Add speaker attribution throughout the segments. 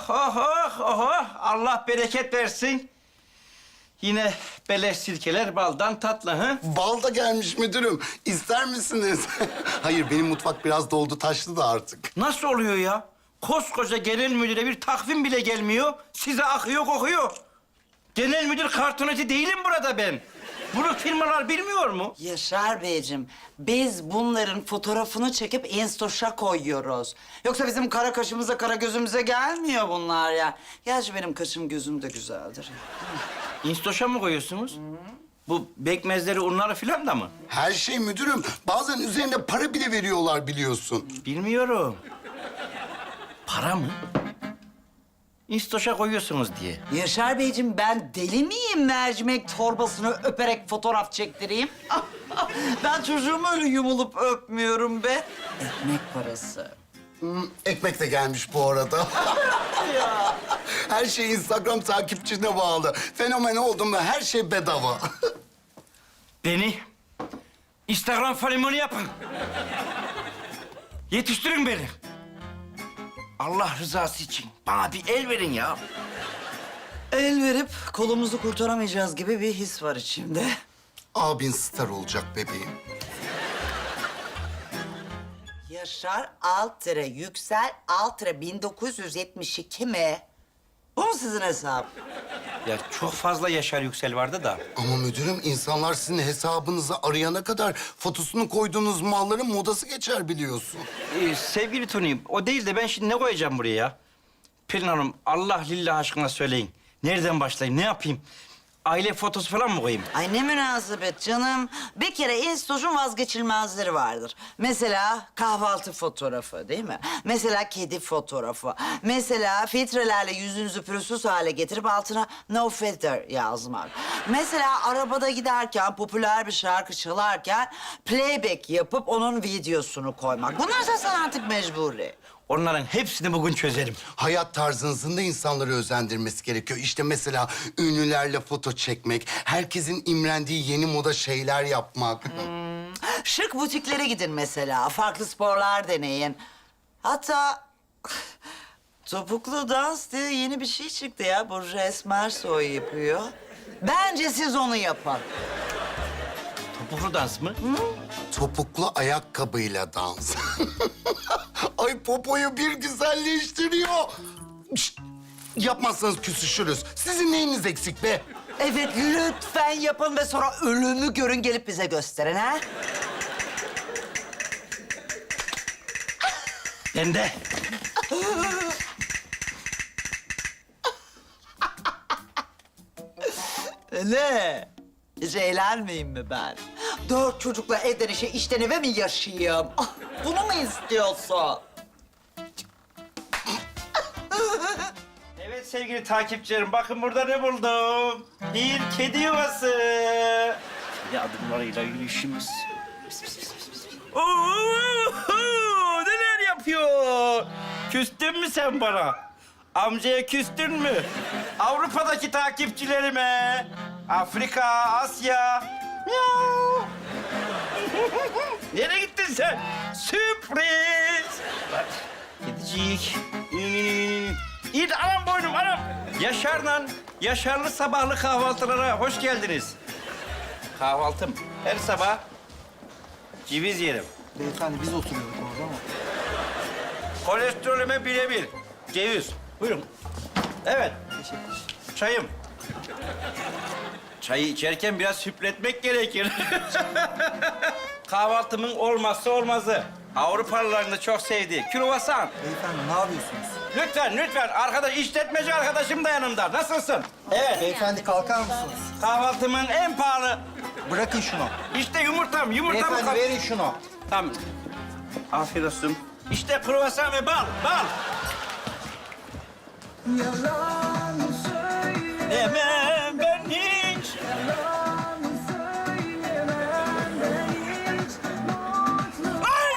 Speaker 1: oh, oh, oh, oh. Allah bereket versin. Yine beleş sirkeler baldan tatlı, ha?
Speaker 2: Bal da gelmiş müdürüm. İster misiniz? Hayır, benim mutfak biraz doldu taşlı da artık.
Speaker 1: Nasıl oluyor ya? Koskoca genel müdüre bir takvim bile gelmiyor. Size akıyor kokuyor. Genel müdür kartoneti değilim burada ben. Bunu firmalar bilmiyor mu?
Speaker 3: Yaşar Beyciğim, biz bunların fotoğrafını çekip Instoş'a koyuyoruz. Yoksa bizim kara kaşımıza, kara gözümüze gelmiyor bunlar ya. Gerçi benim kaşım gözüm de güzeldir.
Speaker 1: Instoş'a mı koyuyorsunuz? Bu bekmezleri, unları filan da mı?
Speaker 2: Her şey müdürüm. Bazen üzerinde para bile veriyorlar biliyorsun.
Speaker 1: Bilmiyorum. Para mı? Instoş'a koyuyorsunuz diye.
Speaker 3: Yaşar Beyciğim, ben deli miyim mercimek torbasını öperek fotoğraf çektireyim? Ben çocuğumu öyle yumulup öpmüyorum be. Ekmek parası.
Speaker 2: Ekmek de gelmiş bu arada. Her şey Instagram takipçine bağlı. Fenomen oldum ve her şey bedava.
Speaker 1: Beni Instagram fenomeni yapın. Yetiştirin beni. Allah rızası için bana bir el verin ya.
Speaker 3: El verip kolumuzu kurtaramayacağız gibi bir his var içimde.
Speaker 2: Abin star olacak bebeğim.
Speaker 3: Yaşar Altıra Yüksel Altıra 1972 mi? Bu mu sizin hesap?
Speaker 1: Ya çok fazla Yaşar Yüksel vardı da.
Speaker 2: Ama müdürüm, insanlar sizin hesabınızı arayana kadar fotosunu koyduğunuz malların modası geçer biliyorsun.
Speaker 1: Sevgili Tony, o değil de ben şimdi ne koyacağım buraya ya? Pelin Hanım, Allah lillah aşkına söyleyin. Nereden başlayayım, ne yapayım? Aile fotosu falan mı koyayım?
Speaker 3: Ay ne münasebet canım. Bir kere Instoş'un vazgeçilmezleri vardır. Mesela kahvaltı fotoğrafı değil mi? Mesela kedi fotoğrafı. Mesela filtrelerle yüzünüzü pürüzsüz hale getirip altına no filter yazmak. Mesela arabada giderken popüler bir şarkı çalarken playback yapıp onun videosunu koymak. Bunlar zaten artık mecburi.
Speaker 1: Onların hepsini bugün çözerim.
Speaker 2: Hayat tarzınızın da insanları özendirmesi gerekiyor. İşte mesela ünlülerle foto çekmek, herkesin imrendiği yeni moda şeyler yapmak.
Speaker 3: Şık butiklere gidin mesela. Farklı sporlar deneyin. Hatta topuklu dans diye yeni bir şey çıktı ya. Burcu Esmersoy yapıyor. Bence siz onu yapın.
Speaker 1: Topuklu dans mı?
Speaker 2: Topuklu ayakkabıyla dans. Ay, popoyu bir güzelleştiriyor. Şşt! Yapmazsanız küsüşürüz. Sizin neyiniz eksik be?
Speaker 3: Evet, lütfen yapın ve sonra ölümü görün, gelip bize gösterin ha.
Speaker 1: Ben de.
Speaker 3: Ne? Hiç eğlenmeyeyim mi ben? 4 çocukla evden işe, işten eve mi yaşayayım? Ah, bunu mu istiyorsun?
Speaker 1: Evet sevgili takipçilerim, bakın burada ne buldum. Bir kedi yuvası. Kedi adımlarıyla yürüyüşümüz. Pis, pis, pis, pis, pis. Oo, neler yapıyor? Küstün mü sen bana? Amcaya küstün mü? Avrupa'daki takipçilerime, Afrika, Asya. Miau. Nereye gittin sen? Sürpriz. Bak, kedicik. İyi de anam boynum anam. Yaşarlı sabahlı kahvaltılara hoş geldiniz. Kahvaltım her sabah ceviz yerim.
Speaker 4: Beyefendi biz oturuyorduk orada ama.
Speaker 1: Kolesterolüme birebir. Ceviz. Buyurun. Evet. Çayım. Çayı içerken biraz hüpletmek gerekir. Kahvaltımın olmazsa olmazı. Avrupalıların da çok sevdiği kruvasan.
Speaker 4: Beyefendi ne yapıyorsunuz?
Speaker 1: Lütfen. Arkadaş, işletmeci arkadaşım da yanımda. Nasılsın? Evet.
Speaker 4: Beyefendi kalkar mısınız?
Speaker 1: Kahvaltımın en pahalı.
Speaker 4: Bırakın şunu.
Speaker 1: İşte yumurtam.
Speaker 4: Beyefendi verin şunu.
Speaker 1: Tamam. Afiyet olsun. İşte kruvasan ve bal. Demem ben hiç. Ay!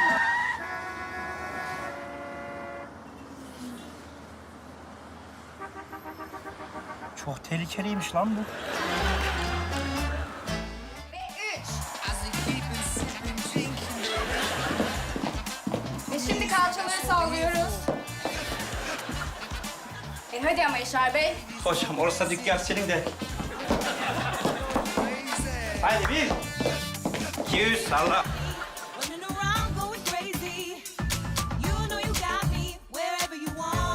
Speaker 1: Çok tehlikeliymiş lan bu.
Speaker 5: Ve şimdi kalçaları sallıyoruz. hadi ama Yaşar Bey.
Speaker 1: Hocam orası dükkan senin de. Haydi bir. 200 salla.
Speaker 6: Running around going crazy. You know you got me wherever you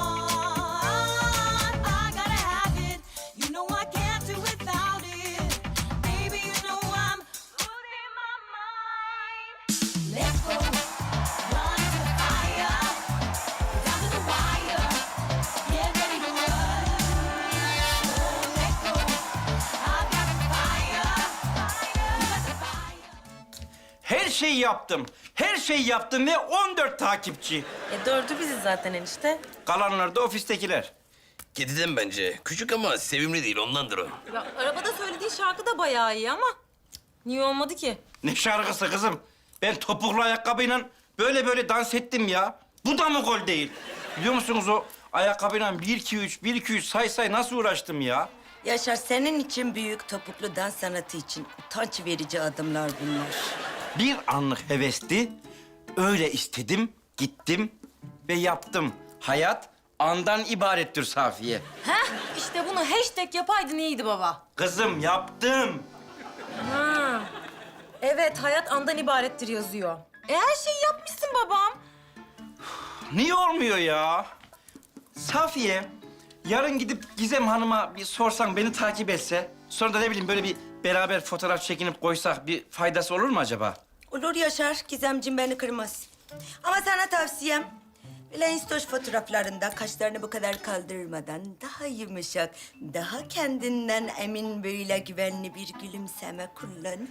Speaker 6: want. I gotta have it. You know I can't do without it. Baby, you know I'm losing my mind. Let's go. Run to the fire. Down to the wire. Get ready to run. Oh, let go. I've got the fire. You got the fire.
Speaker 1: Her şeyi yaptım. Her şeyi yaptım ve 14 takipçi.
Speaker 7: Dördü biziz zaten enişte.
Speaker 1: Kalanlar da ofistekiler.
Speaker 8: Kediden bence. Küçük ama sevimli değil, ondandır o.
Speaker 7: Ya arabada söylediği şarkı da bayağı iyi ama niye olmadı ki?
Speaker 1: Ne şarkısı kızım? Ben topuklu ayakkabıyla böyle dans ettim ya. Bu da mı gol değil? Biliyor musunuz o ayakkabıyla 1-2-3, 1-2-3 say nasıl uğraştım ya?
Speaker 9: Yaşar, senin için büyük topuklu dans sanatı için utanç verici adımlar bunlar.
Speaker 1: Bir anlık hevesti. Öyle istedim, gittim ve yaptım. Hayat andan ibarettir Safiye.
Speaker 7: Heh, işte bunu hashtag yapaydın iyiydi baba.
Speaker 1: Kızım yaptım.
Speaker 7: Ha. Evet, hayat andan ibarettir yazıyor. Her şeyi yapmışsın babam.
Speaker 1: Niye olmuyor ya? Safiye, yarın gidip Gizem Hanım'a bir sorsan, beni takip etse... ...sonra da ne bileyim böyle bir beraber fotoğraf çekinip koysak bir faydası olur mu acaba?
Speaker 9: Olur Yaşar, Gizemciğim beni kırmaz. Ama sana tavsiyem... ...böyle Instagram fotoğraflarında kaşlarını bu kadar kaldırmadan... ...daha yumuşak, daha kendinden emin böyle güvenli bir gülümseme kullan.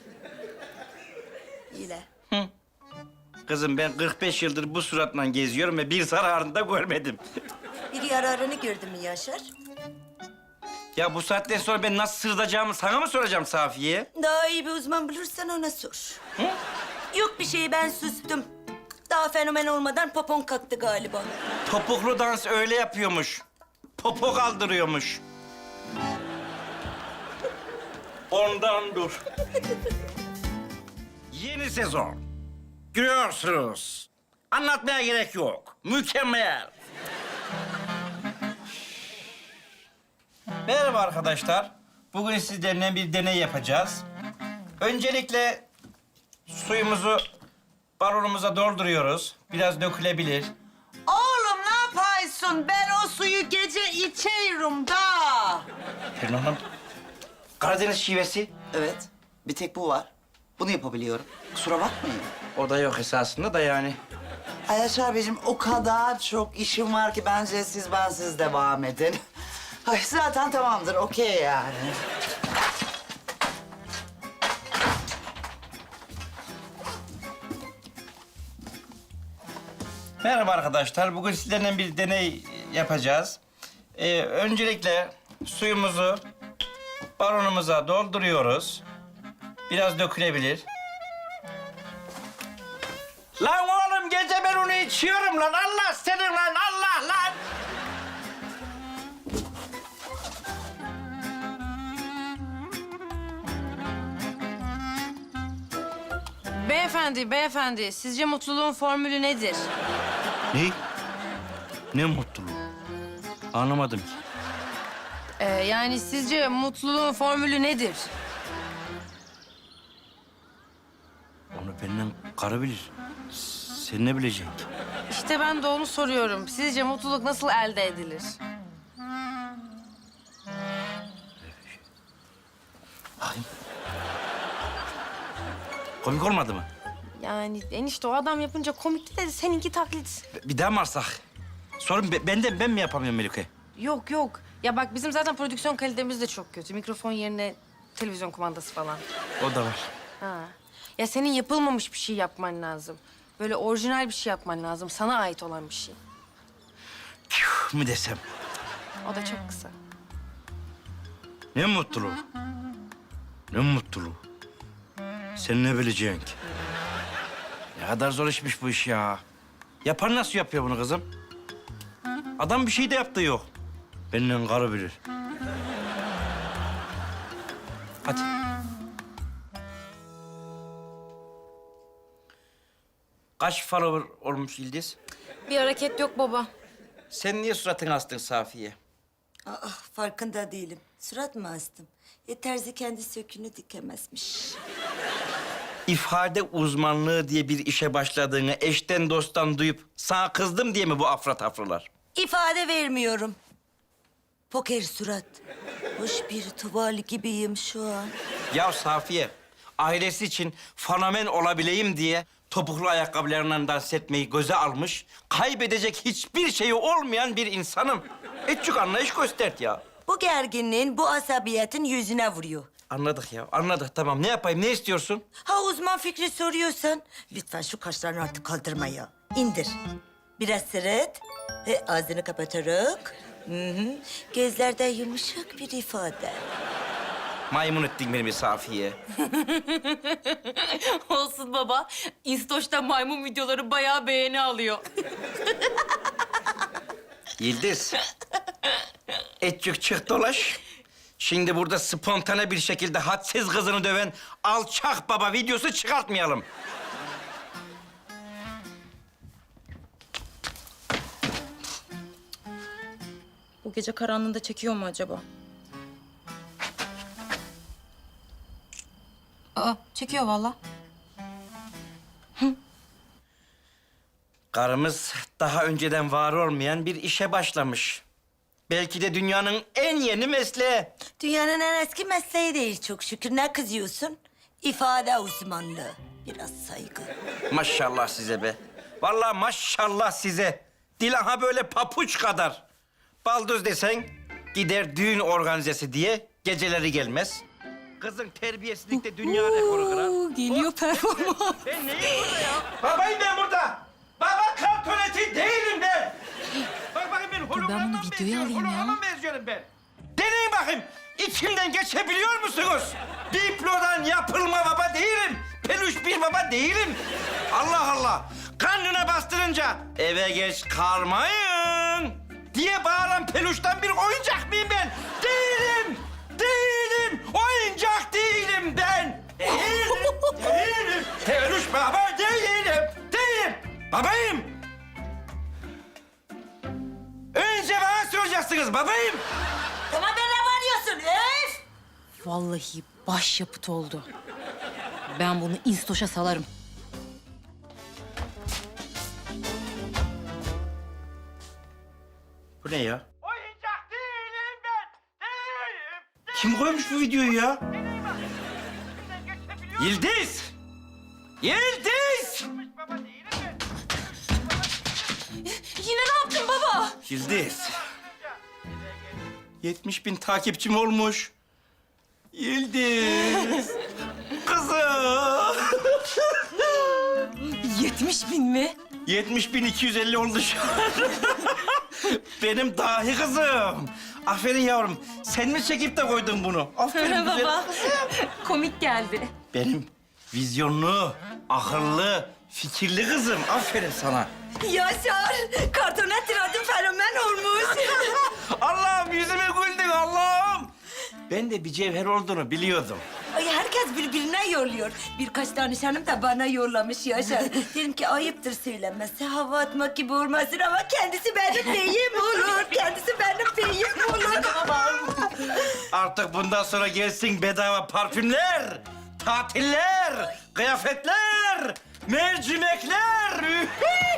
Speaker 9: İle.
Speaker 1: Kızım ben 45 yıldır bu suratla geziyorum ve bir zararını da görmedim.
Speaker 9: Bir yararını gördün mü Yaşar?
Speaker 1: Ya bu saatten sonra ben nasıl sırılacağımı sana mı soracağım Safiye?
Speaker 9: Daha iyi bir uzman bulursan ona sor. Yok bir şey, ben sustum. Daha fenomen olmadan popon kalktı galiba.
Speaker 1: Topuklu dans öyle yapıyormuş. Popo kaldırıyormuş. Ondan dur. Yeni sezon. Görüyorsunuz. Anlatmaya gerek yok. Mükemmel. Merhaba arkadaşlar. Bugün sizlerle bir deney yapacağız. Öncelikle suyumuzu balonumuza dolduruyoruz. Biraz dökülebilir.
Speaker 3: Oğlum ne yapıyorsun? Ben o suyu gece içerim da.
Speaker 1: Pelin Hanım, Karadeniz şivesi.
Speaker 3: Evet, bir tek bu var. Bunu yapabiliyorum. Kusura bakmayın.
Speaker 1: O da yok esasında da yani.
Speaker 3: Ay Yaşar Beyciğim, o kadar çok işim var ki bence siz bensiz devam edin. Ay zaten tamamdır, okey yani.
Speaker 1: Merhaba arkadaşlar. Bugün sizlerle bir deney yapacağız. Öncelikle suyumuzu balonumuza dolduruyoruz. Biraz dökülebilir. Lan oğlum gece ben onu içiyorum lan. Allah senin lan. Allah lan.
Speaker 7: Beyefendi, sizce mutluluğun formülü nedir?
Speaker 1: Ne? Ne mutluluğu? Anlamadım ki.
Speaker 7: Yani sizce mutluluğun formülü nedir?
Speaker 1: Onu benden karı bilir. Sen ne bileceksin ki?
Speaker 7: İşte ben de onu soruyorum. Sizce mutluluk nasıl elde edilir?
Speaker 1: Bakayım. Komik olmadı mı?
Speaker 7: Yani enişte o adam yapınca komikti de seninki taklit.
Speaker 1: Bir daha mı arsak? Sorun benden, ben mi yapamıyorum Melike?
Speaker 7: Yok. Ya bak bizim zaten prodüksiyon kalitemiz de çok kötü. Mikrofon yerine televizyon kumandası falan.
Speaker 1: O da var.
Speaker 7: Ha. Ya senin yapılmamış bir şey yapman lazım. Böyle orijinal bir şey yapman lazım. Sana ait olan bir şey.
Speaker 1: Tüh mü desem?
Speaker 7: O da çok kısa.
Speaker 1: Ne mutluluğu? Ne mutluluğu? Sen ne bileceksin ki? Ne kadar zor işmiş bu iş ya. Yapan nasıl yapıyor bunu kızım? Adam bir şey de yaptığı yok. Benden karı bilir. Hadi. Kaç follower olmuş Yıldız?
Speaker 7: Bir hareket yok baba.
Speaker 1: Sen niye suratını astın Safiye?
Speaker 9: Farkında değilim. Surat mı astım? Terzi kendi sökünü dikemezmiş.
Speaker 1: İfade uzmanlığı diye bir işe başladığını eşten dosttan duyup sana kızdım diye mi bu afra tafralar?
Speaker 9: İfade vermiyorum. Poker surat. Hoş bir tuval gibiyim şu an.
Speaker 1: Ya Safiye, ailesi için fenomen olabileyim diye topuklu ayakkabılarından dans etmeyi göze almış, kaybedecek hiçbir şeyi olmayan bir insanım. Etçük anlayış göstert ya.
Speaker 9: Bu gerginliğin, bu asabiyetin yüzüne vuruyor.
Speaker 1: Anladık ya, anladık. Tamam, ne yapayım, ne istiyorsun?
Speaker 9: Ha uzman fikri soruyorsan, lütfen şu kaşlarını artık kaldırma ya. İndir. Biraz sırıt. Ağzını kapatarak. Hı. Gözlerde yumuşak bir ifade.
Speaker 1: Maymun ettin beni bir Safiye.
Speaker 7: Olsun baba. İnstoş'ta maymun videoları bayağı beğeni alıyor.
Speaker 1: Yıldız. Etçük çık dolaş. Şimdi burada spontane bir şekilde hadsiz kızını döven alçak baba videosu çıkartmayalım.
Speaker 5: Bu gece karanlığında çekiyor mu acaba? Aa, çekiyor vallahi.
Speaker 1: Karımız daha önceden var olmayan bir işe başlamış. Belki de dünyanın en yeni mesleği.
Speaker 9: Dünyanın en eski mesleği değil çok şükür. Ne kızıyorsun? İfade uzmanlığı. Biraz saygı.
Speaker 1: Maşallah size be. Vallahi maşallah size. Dil aha böyle papuç kadar. Baldız desen gider düğün organizesi diye geceleri gelmez. Kızın terbiyesizlikte dünya rekoru kırar.
Speaker 5: Geliyor performans.
Speaker 1: Ben neyim burada ya? Babayım ben burada. Baba kartoneti değilim ben. Bak bakayım ben hologramdan
Speaker 5: bunu videoya alayım ya.
Speaker 1: Hologramdan benziyorum ben. Deneyin bakayım. İçimden geçebiliyor musunuz? Diplodan yapılma baba değilim. Peluş bir baba değilim. Allah Allah. Karnına bastırınca eve geç kalmayın diye bağıran peluştan bir oyuncak mıyım ben? Değilim. Değilim. Oyuncak değilim ben. Değilim. Peluş baba değilim. Değilim. Babayım. Önce bana soracaksınız babayım.
Speaker 9: Tamam ben ne varıyorsun? Öf!
Speaker 5: Vallahi başyapıt oldu. Ben bunu İnstoş'a salarım.
Speaker 1: Bu ne ya? Oyuncak değilim ben. Değilim. Kim koymuş bu videoyu ya? Yıldız. Yıldız.
Speaker 7: Yine ne yaptın baba?
Speaker 1: Yıldız. 70.000 takipçim olmuş. Yıldız. Kızım.
Speaker 5: 70.000 mi?
Speaker 1: 70.250 oldu şu an. Benim dahi kızım. Aferin yavrum. Sen mi çekip de koydun bunu? Aferin güzel
Speaker 7: Baba.
Speaker 1: kızım.
Speaker 7: Komik geldi.
Speaker 1: Benim vizyonlu, akıllı, fikirli kızım. Aferin sana.
Speaker 9: Yaşar, kartonet tiradın fenomen olmuş.
Speaker 1: Allah'ım yüzüme güldün Allah'ım. Ben de bir cevher olduğunu biliyordum.
Speaker 9: Ay herkes birbirine yolluyor. Birkaç danışanım da bana yollamış Yaşar. Dedim ki ayıptır söylemesi, hava atmak gibi olmasın ama kendisi benim beyim olur. Kendisi benim beyim olur.
Speaker 1: Artık bundan sonra gelsin bedava parfümler, tatiller, kıyafetler, mercimekler.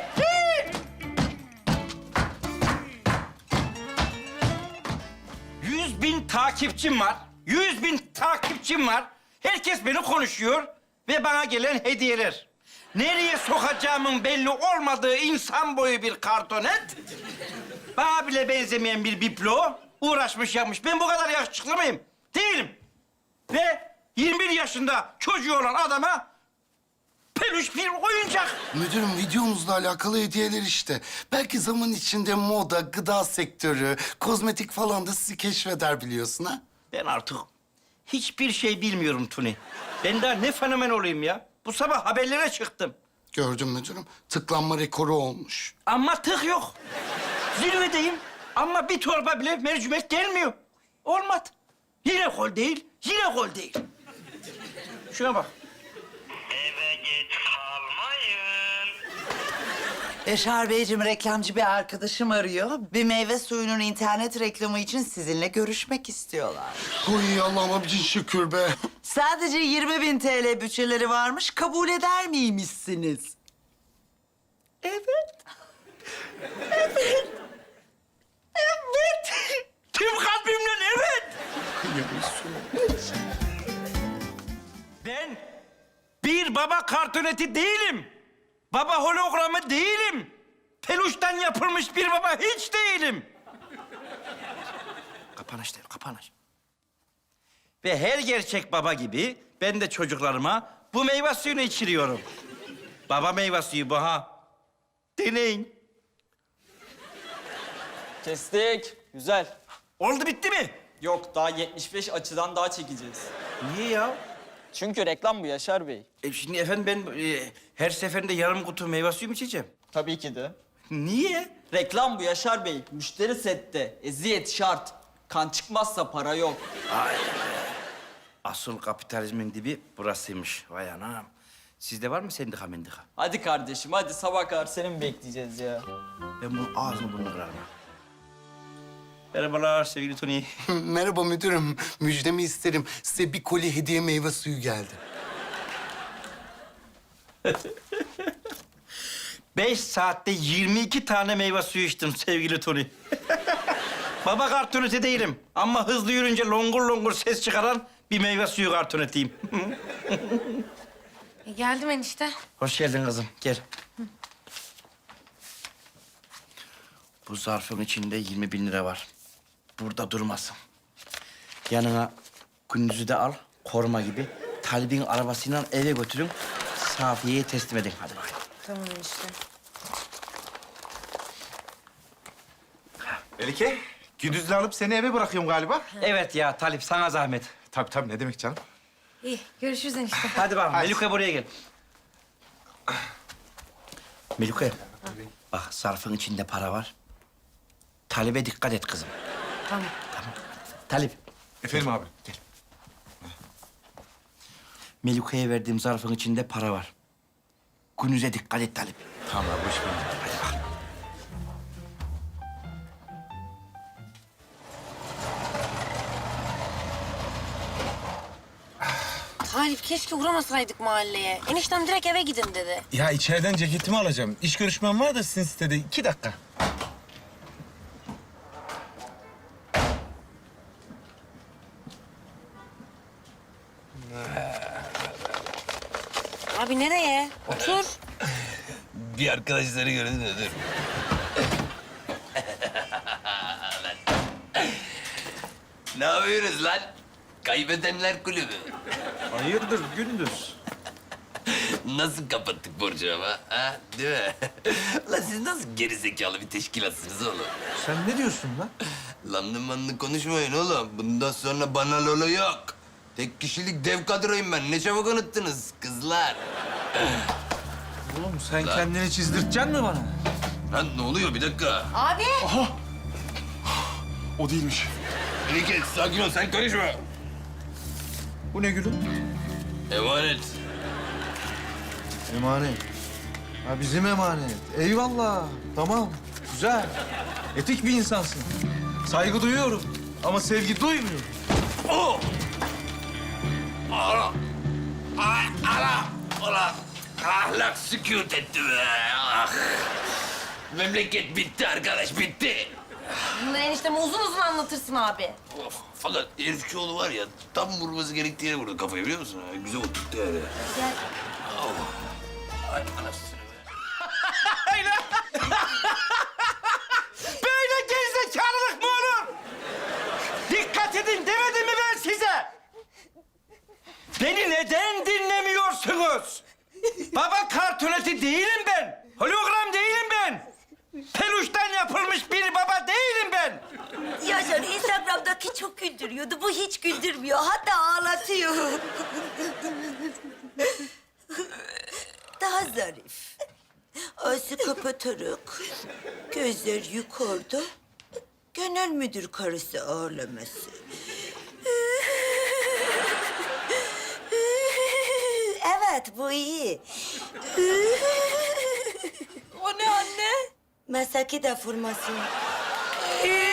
Speaker 1: 100.000 takipçim var. 100.000 takipçim var. Herkes beni konuşuyor ve bana gelen hediyeler. Nereye sokacağımın belli olmadığı insan boyu bir kartonet. Bana bile benzemeyen bir biblo. Uğraşmış yapmış. Ben bu kadar yakışıklı mıyım? Değilim. Ve 21 yaşında çocuğu olan adama peluş bir oyuncak.
Speaker 2: Müdürüm videomuzla alakalı hediyeler işte. Belki zaman içinde moda, gıda sektörü, kozmetik falan da sizi keşfeder biliyorsun ha?
Speaker 1: Ben artık hiçbir şey bilmiyorum Tuni. Ben daha ne fenomen olayım ya? Bu sabah haberlere çıktım.
Speaker 2: Gördüm müdürüm. Tıklanma rekoru olmuş.
Speaker 1: Ama tık yok. Zirvedeyim ama bir torba bile mercimek gelmiyor. Olmadı. Yine gol değil, yine gol değil. Şuna bak.
Speaker 10: Eve geç kalmayın.
Speaker 3: Yaşar Beyciğim, reklamcı bir arkadaşım arıyor. Bir meyve suyunun internet reklamı için sizinle görüşmek istiyorlar.
Speaker 2: Oy Allah'ıma bin şükür be.
Speaker 3: Sadece 20.000 TL bütçeleri varmış, kabul eder miymişsiniz? Evet. Evet. Evet.
Speaker 1: Tüm kalbimle evet. Ben bir baba kartoneti değilim. Baba hologramı değilim. Peluştan yapılmış bir baba hiç değilim. Kapanış değil, kapanış. Ve her gerçek baba gibi ben de çocuklarıma bu meyve suyunu içiriyorum. Baba meyve suyu bu ha. Deneyin.
Speaker 10: Kestik. Güzel.
Speaker 1: Oldu bitti mi?
Speaker 10: Yok, daha 75 açıdan daha çekeceğiz.
Speaker 1: Niye ya?
Speaker 10: Çünkü reklam bu Yaşar Bey.
Speaker 1: Şimdi efendim ben her seferinde yarım kutu meyve suyu mu içeceğim?
Speaker 10: Tabii ki de.
Speaker 1: Niye?
Speaker 10: Reklam bu Yaşar Bey. Müşteri sette. Eziyet şart. Kan çıkmazsa para yok.
Speaker 1: Asıl kapitalizmin dibi burasıymış. Vay anam. Sizde var mı sendika mendika?
Speaker 10: Hadi kardeşim, hadi sabah kadar seni mi bekleyeceğiz ya?
Speaker 1: Ben bunun ağzını burnunu kırarım. Merhabalar sevgili Tony.
Speaker 2: Merhaba müdürüm. Müjdemi isterim. Size bir koli hediye meyve suyu geldi.
Speaker 1: 5 saatte 22 tane meyve suyu içtim sevgili Tony. Baba kartoneti değilim ama hızlı yürünce longur longur ses çıkaran bir meyve suyu kartonetiyim.
Speaker 7: Geldim enişte.
Speaker 1: Hoş geldin kızım, gel. Bu zarfın içinde 20.000 lira var. Burada durmasın. Yanına Gündüz'ü de al, koruma gibi. Talib'in arabasıyla eve götürün. Safiye'ye teslim edin. Hadi bakayım.
Speaker 7: Tamam enişte.
Speaker 11: Melike, Gündüz'le alıp seni eve bırakıyorum galiba.
Speaker 1: Evet ya Talip, sana zahmet.
Speaker 11: Tabii ne demek canım.
Speaker 7: İyi, görüşürüz enişte.
Speaker 1: Hadi bakalım, Melike buraya gel. Melike, bak zarfın içinde para var. Talip'e dikkat et kızım.
Speaker 7: Tamam.
Speaker 1: Talip,
Speaker 11: Efendim abi.
Speaker 1: gel. Melike'ye verdiğim zarfın içinde para var. Gündüz'e dikkat et Talip.
Speaker 11: Tamam abi, hoş geldin.
Speaker 1: Hadi bakalım.
Speaker 7: Talip keşke uğramasaydık mahalleye. Eniştem direkt eve gidin dedi.
Speaker 11: Ya içeriden ceketimi alacağım. İş görüşmem var da sizin sitede. 2 dakika.
Speaker 7: Abi nereye? Otur.
Speaker 8: Bir arkadaşları gördün mü? Dur. Ne yapıyoruz lan? Kaybedenler kulübü.
Speaker 1: Hayırdır Gündüz?
Speaker 8: Nasıl kapattık borcu ama? Ha? Değil mi? Lan siz nasıl gerizekalı bir teşkilatsınız oğlum?
Speaker 11: Sen ne diyorsun lan?
Speaker 8: Lanlı manlı konuşmayın oğlum. Bundan sonra bana lolo yok. Tek kişilik dev kadroyum ben. Ne çabuk unuttunuz kızlar.
Speaker 11: Oğlum sen kendini çizdirteceksin mi bana?
Speaker 8: Lan ne oluyor? Bir dakika.
Speaker 7: Abi.
Speaker 11: O değilmiş.
Speaker 8: Melike sakin ol. Sen karışma.
Speaker 11: Bu ne gülüm?
Speaker 8: Emanet.
Speaker 11: Emanet. Ha bizim emanet. Eyvallah. Tamam. Güzel. Etik bir insansın. Saygı duyuyorum. Ama sevgi duymuyorum.
Speaker 8: Oh! Ana! Ay, ana! Ulan! Ahlak sükût etti be! Ah! Memleket bitti arkadaş, bitti!
Speaker 7: Bunları enişteme uzun uzun anlatırsın abi.
Speaker 8: Of! Fakat herifçioğlu var ya, tam vurması gerektiği yere vurdu kafayı biliyor musun? Ha? Güzel oturttu yani.
Speaker 7: Gel.
Speaker 8: Ay anasını be!
Speaker 1: Böyle gerizekalılık mı olur? Dikkat edin demedim mi ben size? Beni neden dinlemiyorsunuz? Baba kartoneti değilim ben. Hologram değilim ben. Peluştan yapılmış bir baba değilim ben.
Speaker 9: Yaşar Instagram'daki çok güldürüyordu. Bu hiç güldürmüyor. Hatta ağlatıyor. Daha zarif. Ağzı kapatarak, gözler yukarıda. Genel müdür karısı ağlaması. Evet, bu iyi.
Speaker 5: O ne anne?
Speaker 9: mesleki deformasyon.